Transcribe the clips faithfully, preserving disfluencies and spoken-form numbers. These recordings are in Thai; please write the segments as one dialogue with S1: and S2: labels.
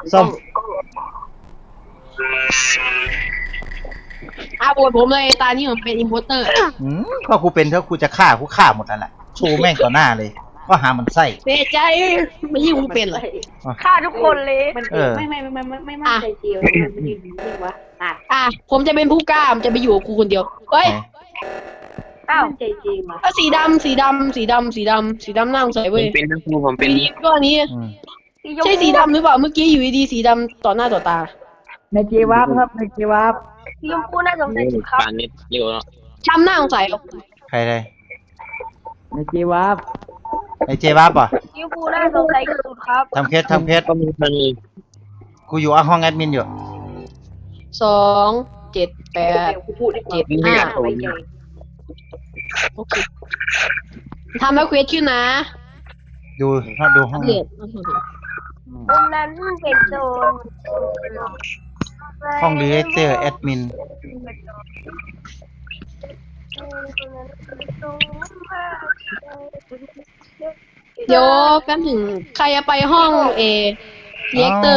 S1: ส้ม
S2: อ่ะโหวตผมเลยตานี้ผมเป็นอิมโพสเตอร์
S1: อืมก็กูเป็นถ้ากูจะฆ่ากูฆ่าหมดนั่นแหละชูแม่งต่อหน้าเลยก็หามันไส้
S2: เสียใจไม่ยิ่งกูเป็นเลย
S3: ฆ่าทุกคนเลย
S1: เออ
S4: ไม่ไม่ไม่ไม่ไม่มั่นใจเจียวมันยืนนิ่งวะอ่ะ
S2: อ่ะผมจะเป็นผู้กล้าผมจะไปอยู่กับครูคนเดียวเฮ้ย
S3: อ้าว
S4: มั่นใจจริงวะ
S2: เอาสีดำสีดำสีดำสีดำสีดำน่าสงสัย
S5: ผ
S2: เว้ย
S5: มเป็นทั้งครูผมเป็น
S2: ก็อันนี้
S1: อืม
S2: ใช่สีดำหรือเปล่าเมื่อกี้อยู่ดีๆสีดำต่อหน้าต่อตา
S6: ในเจวับครับในเจวับ
S3: สีชมพูน่าสงสัยสุดครับ
S5: ปานนิดเร็วเนาะ
S2: จำหน้าสงสัยเหรอ
S1: ใครเลย
S6: ในเจวับ
S1: ไอเจวับป่ะ
S3: สีชมพูน่าสงสัยสุดครับ
S1: ทำเคสทำเคส
S5: ก็มีคนนี้
S1: กูอยู่ห้องแอดมินอยู่
S2: สองเจ็ดแปด
S4: เดี๋ยวกูพูดดีกว่า
S2: เจ็ดห้า
S4: ไว้ใจ
S2: โอเคทำแล้วเควสขึ้นนะ
S1: ดูดูห้อง
S2: เรียน
S3: คนนั้นเป็นโจร
S1: ห้องรีเจอร์แอดมิน
S2: เดี๋ยวแป๊บหนึ่งใครจะไปห้องเอเรียกเตอร์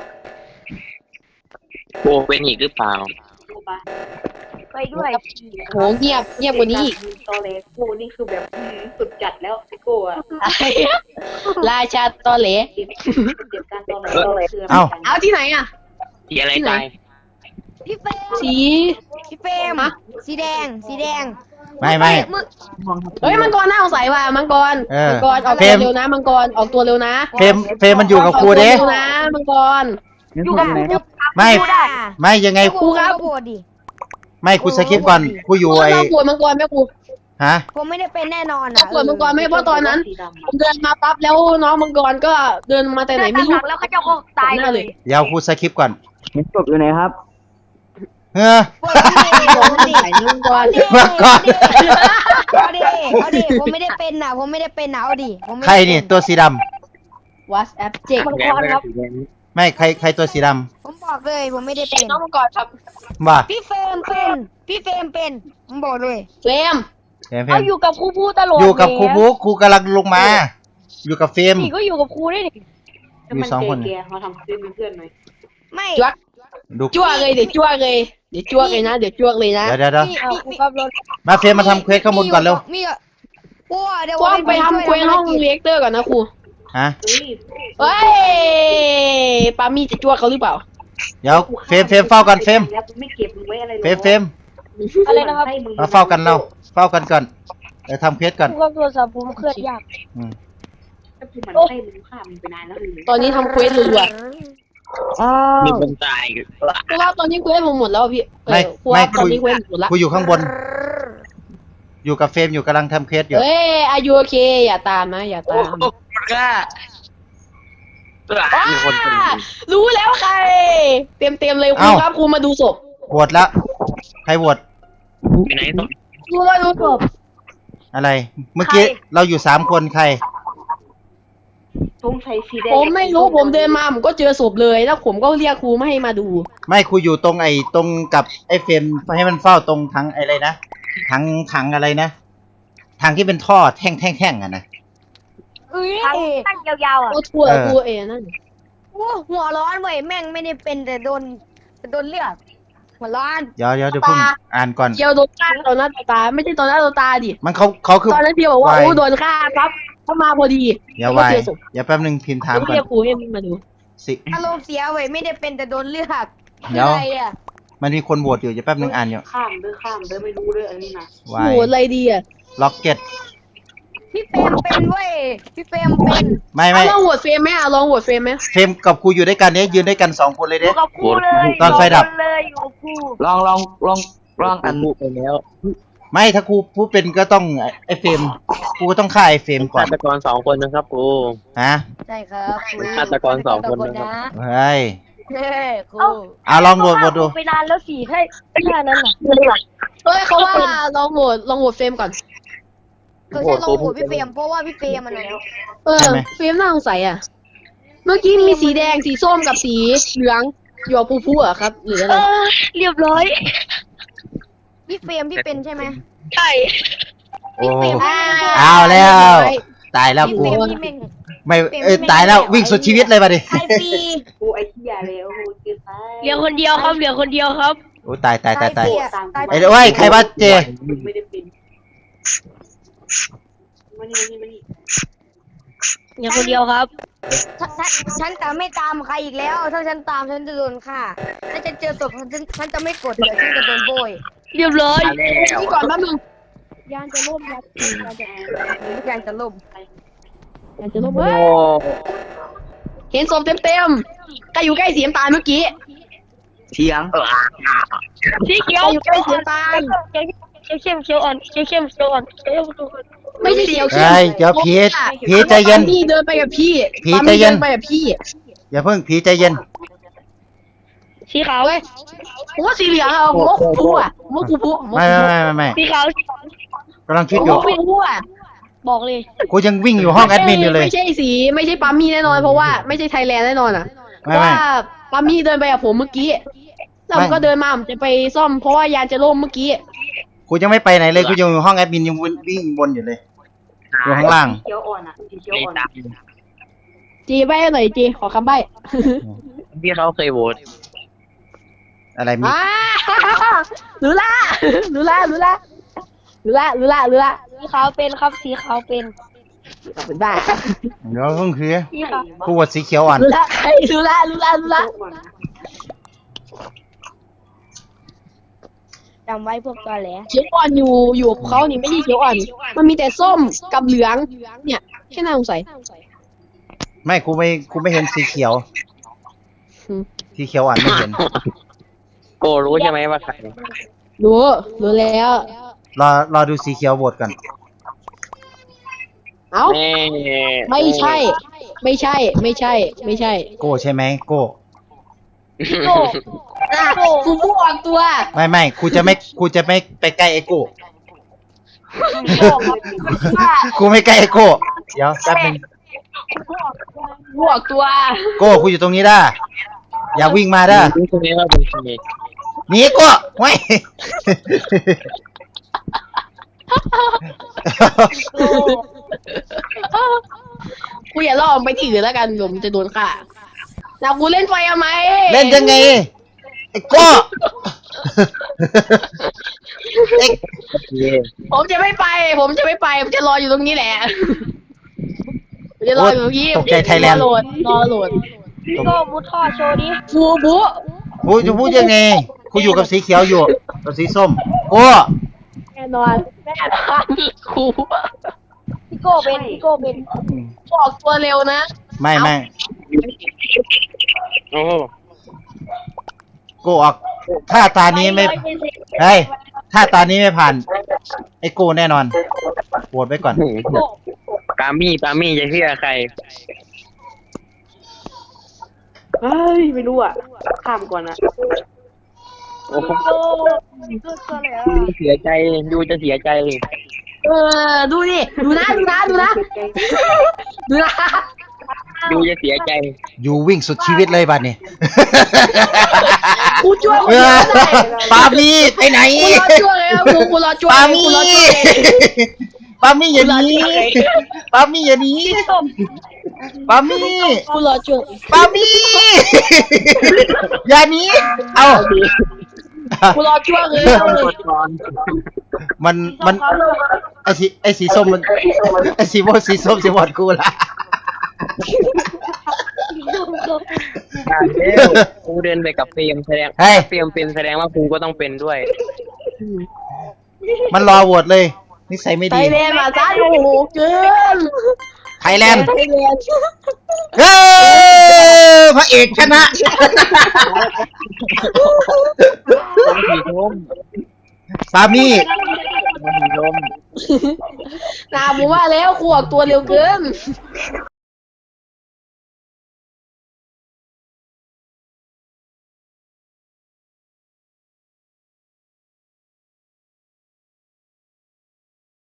S5: โบเป็นอีกหรือเปล่า
S3: ไปด้วย
S2: โหเงียบเงียบกว่านี้อีก
S4: ตอเลกูนี่คือแบบสุดจัดแล้วไอ้กูอะ
S2: ราชาตอเหล
S4: เดี๋ยวการตอเลคือ
S1: เอ้า
S2: เอาที่ไหนอ่ะ
S5: ที่อะไรตาย
S7: พี่เฟรม
S2: สี
S7: พี่เฟรม
S2: ฮะ
S7: สีแดง สีแดง
S1: ไม่ไม่
S2: เฮ้ยมังกรน่าสงสัยว่ะมังกร
S1: เออ
S2: มังกรออก
S1: เฟร
S2: ตัว
S1: ม
S2: เร็วนะมังกรออกตัวเร็วนะ
S1: เฟรมเฟรมมันอยู่กับครูเด้
S2: ออกตัวเร็วนะมังกร
S6: อยู่กับไหนครับ
S1: ไม่ ไม่ยังไง
S2: ครูครับ
S7: โหวตดิ
S1: ไม่กูสคริปต์ก่อนกูอยู่ไอ
S2: เราปวดมังกรไหมครู
S1: ฮะ
S7: ผมไม่ได้เป็นแน่นอน
S2: เรา
S7: อ่ะ
S2: ปวดมังกรไหมเพราะตอนนั้น
S4: สีดำ
S2: ผมเดินมาปั๊บแล้วน้องมังกรก็เดินมาแต่ไหนไม่รู้
S3: แล้วเขาจะตายเลย
S1: เดี๋ยวกูสคริปต์ก่อน
S6: เห็นศพอยู่ไหนครับ
S1: เฮ้อ
S7: โหวตพี่เฟรม
S2: ใส่มังกร
S1: มาก่อน
S7: เอาดิเอาดิผมไม่ได้เป็นนะผมไม่ได้เป็นนะเอาดิผมไม่
S1: ใคร
S7: ได้เป็
S1: นี่ตัวสีด
S2: วัสแอปเจ็ก
S3: มังกรครับ
S1: ำไม่ใครใครตัวสีด
S7: ผมบอกเลยผมไม่ได้เป็น
S2: น้องมังกรครับ
S1: ำว่า
S7: พี่เฟรมเป็น พี่เฟรมเป็นผมบอกเลย
S2: เฟรม
S1: เฟรมเฟร
S3: เอา
S1: ม
S3: อยู่กับครูพูดตลอด
S1: อยู่กับครูบุ๊กครูกำลังลงมา อยู่กับเฟรม
S3: นี่ก็อยู่กับครูได้ดิ
S1: มีสองคน
S4: แกเขาทำซื้อเป็นเพื่อนหน่อย
S7: ไม่
S2: จ้วก
S1: ดู
S2: จ้วกเลยเดี๋ยวจ้วกเลยเดี๋ยวจ้วกเลยนะเดี๋ยวจ้วกเลยนะ
S1: เดี๋ยวเดี๋ยวเดี๋ยว
S7: มี
S3: เอา
S7: มี
S3: ครู
S7: มี
S3: ครับรถ
S1: มาเฟรมมาทำเควสข้างบนก่อนเร็ว
S7: มีอ่ะกลัวเดี๋ยว
S2: กว้างไปทำเควสห้องเรียกเตอร์ก่อนนะครู
S1: ฮะ
S4: เฮ้ย
S2: เฮ้ยปามี่จะจ้วกเขาหรือเปล่า
S1: เดี๋ยวเฟรมเฟรมเฝ้ากันเฟรม
S4: แล้วไม่เก็บมึงไว้อะไร
S1: เฟรมเฟรม
S3: อะไรนะครับ
S1: มาเฝ้ากันเราเฝ้ากันก่อนเดี๋ยวทำเควสก่อน
S3: ครูครับโทรศัพท์ผมเคลื่อนยาก
S1: อืม
S4: ถ้ากูมันให้มึงฆ่ามึงไปนานแล้ว
S2: ตอนนี้ทำเควสรัว
S6: อ้าว
S5: มีคนตายอีก
S2: ๆเพราะว่าตอนนี้เควสผมหมดแล้วอะพี่เอ
S1: ไม่
S2: อเพราะว่า
S1: ไม่
S2: ตอน
S1: คุย
S2: นี้เควสหมดแล้ว
S1: กูอยู่ข้างบน อยู่กับเฟรมอยู่กำลังทำเควสอยู่
S2: เฮ้ยอายุโอเคอย่าตามนะอย่าตาม
S5: กล้ามีคนตาย
S2: รู้แล้วใคร เต็มเต็มๆเลยครูครับครูมาดูศพ
S1: โหวตแล้วใครโหวต
S5: ไปไหนต้อง
S2: ครูมาดูศพ
S1: อะไร เมื่อกี้เราอยู่สามคนใคร
S4: ตรงใส่สีแดง
S2: ผมไม่รู้ผมเดินมาผมก็เจอศพเลยแล้วผมก็เรียกครูไม่ให้มาดู
S1: ไม่ครูอยู่ตรงไอ้ตรงกับไอ้เฟรมให้มันเฝ้าตรงถังไอ้อะไรนะถังถังอะไรนะถังที่เป็นท่อแท่งแท่งแท่งอะนะ
S7: เอ้ย
S3: ทางตั้งยาวๆอ่ะ
S2: ก็ทั่ว
S1: เออ
S2: ทั่วเองนั่น
S7: โอ้หัวร้อนเว้ยแม่งไม่ได้เป็นแต่โดนแต่โดนเลือดหัวร้อน
S1: เดี๋ยวเดี๋ยวเดี๋ยวเพิ่งอ่านก่อน
S2: เกียวโดนฆ่าตอนหน้าต่อตาไม่ใช่ตอนหน้าต่อตาดิ
S1: มันเขาเขาคือ
S2: ตอนนั้นพี่บอกว่า
S1: ไว
S2: โอ้โดนฆ่าครับเข้ามาพอดี
S1: อย่า
S2: แล้ว
S1: ไว
S2: ก็เจอศพ
S1: อย่าแป๊บนึงพิมพ์ถาม
S2: แล้ว
S1: ก่อ
S2: เรีย
S1: น
S2: กครูให้มาดู
S1: สิ
S7: อารมณ์เสียเว้ยไม่ได้เป็นแต่โดนเลือด
S1: เดี๋ยว
S7: อะไรอ่ะ
S1: มันมีคนโหวตอยู่อย่าแป๊บนึงอ่านอยู่
S4: ข้ามเด้อข้ามเด้อไม่รู้เด้ออันนี้นะ
S1: ไว
S2: โหอะไรดีอ่ะ
S1: ล็อกเก็ต
S7: พี่เฟรมเป็นเว้ยพี่เฟรมเป็น
S1: ไม่
S2: เอา
S1: ไม่
S2: ลองโหวตเฟรมไหมอ่ะลองโหวตเฟรมไหม
S1: เฟรมกับครูอยู่ด้วยกันเนี้ยยืนด้วยกันสองคนเลย
S3: อ
S1: เด้
S3: ยู่กับครูเลย
S1: ตอนไฟดับ
S3: อยู่เลยอยู่กับครู
S6: ลองลองลองลองอัน
S5: พูดไปแล้ว
S1: ไม่ถ้าครูผู้เป็นก็ต้องไอ้เฟรมครูก็ต้องฆ่าไอ้เฟรมก่อ
S5: ฆาน ตกรสองคนนะครับครู
S1: ฮะ
S7: ใช่ครับครู
S5: ฆาตกรสองคนนะครับ
S1: เฮ้ย
S7: เฮ้ยครู
S1: เอาลองโหวตโหวตดู
S3: ไปนานแล้วสี่ให้แค่นั้นน่ะ
S2: เฮ้ยเขาว่าลองโหวตลองโหวตเฟรมก่อน
S7: เขาใช้ลองโหวตพี่เฟรมเพราะว่าพี่เฟรมมันนะ
S2: เออเฟรมน่าสงสัยอ่ะ เมื่อกี้มีสีแดงสีส้มกับสีเหลืองหยอกปูพูอ่ะครับหรืออะไร
S3: เออเรียบร้อย
S7: พี่เฟรมพี่เป็นใช่ไหม
S3: ใช่
S1: โอ้
S7: พี่เฟรม
S2: อ่า
S1: เอาแล้ว ตายแล้ว
S7: พี่
S1: กู
S7: เฟรมพี่เม่ง
S1: ไม่เอ้ยตายแล้ววิ่งสุดชีวิตเลยบัดนี้
S7: ใครปี
S4: กูไอ้เหี้ยเลยโอ้โหเกินไป
S3: เหลือคนเดียวครับเหลือคนเดียวครับ
S1: โอ้ตายตายตายตาย
S7: ใครปีอะใคร
S1: ไอ้
S7: ปี
S1: โอ้ยใครว่าเจ
S4: ไม่ได้เป็นมานี่มานี่มานี่
S3: เหลือคนเดียวครับ
S7: ฉันฉันฉันจะไม่ตามใครอีกแล้ว ถ้าฉันตามฉันจะโดนฆ่าถ้าฉันเจอศพฉันฉันจะไม่กดเดี๋ยวฉันจะโดนโบย
S3: เรียบร้อย
S2: นี่ก่อนแป๊บนึง
S7: ยานจะล่มยานจะยานจะล่ม
S2: อยากจะลบ
S5: โอ้
S2: เฮ้ยเห็นศพเต็มๆใครอยู่ใกล้สีน้ำตาลเมื่อกี้
S6: เถียง
S3: สีเขียว
S2: ใครอยู่ใกล้สีน้ำตาล
S3: เขียวเข้มเขียวอ่อนเขียวเข้มเขียวอ่อนเขียวเข้ม
S2: ไม่ใช่เขียวเข้ม
S1: เฮ้ยเดี๋ยวผีผีใจเย็น
S2: พี่เดินไปกับพี่
S1: ผีใจเย็น
S2: ปามี่ดิไปกับพี่
S1: อย่าเพิ่งผีใจเย็น
S3: สีขาว
S2: เฮ้ยผมว่าสีเหลืองอะผมว่าคูพูอ่ะผมว่าคูพูผมว่า
S1: ไม่
S2: คู
S1: ไม่
S2: พู
S1: ไม่ไม่ไม่
S3: สีขาว
S1: กำลังคิด
S2: ผม
S1: อยู่
S2: ว่าคูพูอ่ะ
S3: บอกเลย
S1: กูยังวิ่งอยู่ห้องแอดมินอยู่เลย
S2: ไม่ใช่สีไม่ใช่ปามี่แน่นอนเพราะว่าไม่ใช่ไทยแลนด์แน่นอนอ่ะเพ
S1: ไม่
S2: ราะ
S1: ไม่
S2: ว่าปามี่เดินไปกับผมเมื่อกี้แล้วผม
S1: ไม่
S2: ก็เดินมาผมจะไปซ่อมเพราะว่ายานจะล่มเมื่อกี้
S1: กูยังไม่ไปไหนเลยกูยังอยู่ห้องแอดมินยังวิ่งวนอยู่เลยอยู่ข้างล่าง
S4: สีเขียวอ่อนอ่ะสีเขียว
S5: ไอ้
S4: อ่อน
S5: ตาม
S2: จีใบ้หน่อยจีขอคำใบ้
S5: ที่เขาเคยโหวต
S1: อะไรมี
S2: อ่ารู้ละรู้ละรู้ละรู้ละรู้ละรู้ละ
S3: สีขาวเป็นครับสีขาวเป็น
S2: เป็นบ้า
S1: เดี๋ยวเพิ่งคือ
S3: สีขาว
S1: กูวดสีเขียวอ่อน
S2: รู้ละใครรู้ละรู้ละรู้ละ
S4: อ่อนนะ
S7: จำไว้พวกตอแหล
S2: เขียวอ่อนอยู่อยู่กับเขานี่ไม่ใช่เขียวอ่อน มันมีแต่ส้มกับเหลืองเนี่ยแค่น่าสงสัย
S1: ไม่กูไม่กูไม่เห็นสีเขียว
S2: อืม
S1: สีเขียวอ่อนไม่เห็น
S5: โกรู้ใช่ไหมว่าใคร
S2: รู้รู้แล้ว
S1: รอรอดูสีเขียวโหวตก่อน
S2: เอ้า
S5: แม่
S2: ไม่ใช่ ไม่ใช่ ไม่ใช่ ไม่ใช่
S1: โก้ใช่ไหมโก้
S3: โก้
S2: อ่ะกูพูดออกตัว
S1: ไม่ไม่กูจะไม่กูจะไม่ไปใกล้ไอ้โก้ กูไม่ใกล้ไอ้โก้เดี๋ยวแป๊บนึง
S2: พูดออกตัว
S1: โก้กูอยู่ตรงนี้ด้าอย่าวิ่งมาด้า
S5: รู้ใช่ไหมว่าเป็นใคร
S1: หนีโก้ไว้
S2: กูอย่าล่อมไปที่อื่นแล้วกันเดี๋ยวมันจะโดนฆ่าแล้วกูเล่นไฟทำไม
S1: เล่นยังไงไอ้โก้เอ็ก
S5: เย่
S2: ผมจะไม่ไป ผมจะไม่ไป ผมจะรออยู่ตรงนี้แหละผมจะรออยู่ตรงนี้
S1: ตกใจไทยแลนด์
S2: รอโหลดรอโหลด
S3: พี่โก้มุดท่อโชว์ดิ
S2: ฟูบุ
S1: กูจะพูดยังไงกูอยู่กับสีเขียวอยู่กับสีส้มโก้
S2: แน่นอนแน่นอนครู
S3: พี่โก้เป็นพี่โก้เป็น
S2: บอกตัวเร็วนะ
S1: ไม่ไม่
S5: โอ้
S1: โก้ออกถ้าตานี้ไม่เฮ้ยถ้าตานี้ไม่ผ่านไอ้โก้แน่นอนโหวตไว้ก่อน
S5: ปามี่ปามี่จะเชื่อใคร
S4: เฮ้ยไม่รู้อ่ะข้ามก่อนนะ
S5: โอ้โห
S3: โก้สุดตัวเลยอ่ะ
S5: ดูเสียใจดูจะเสียใจเลย
S2: เออ ดูดิ ดูนะ ดูนะ ดูนะ ดูนะ
S5: ดูจะเสียใจ
S1: อยู่วิ่งสุดชีวิตเลยบัดนี้
S2: กูช่วยคน
S1: เอ
S2: เดียว
S1: อ
S2: ได้
S1: ปามี่ไปไหน
S2: กูรอช่วยเลยครับกูกูรอช่วย
S1: ปา
S2: กู
S1: มี่
S2: รอช่วย
S1: ปามี่อย่าหนีปามี่อย่าหนีปามี่
S2: กูรอช่วย
S1: ปามี่อย่าหนีเอา
S2: กูรอช่วยเลย
S1: มันมันไอสีไอสีส้มมันไอสีม่วงสีส้มสีบอดกูละ
S5: กูเดินไปกับเฟรมแสดง
S1: เฮ้ย
S5: เฟรมเป็นแสดงว่ากูก็ต้องเป็นด้วย
S1: มันรอโหวตเลยนิสัยไม่
S2: ไท
S1: ดี
S2: ยแลนด์มาซะโอ้โหเกิน
S1: ไทยแลนด์
S2: ไทยแลนด์
S1: เฮ้ยพระเอกชนะ
S5: สีส้ม
S1: ปามี่
S5: สีส้ม
S2: นาผมว่าแล้วกูออกตัวเร็วเกิน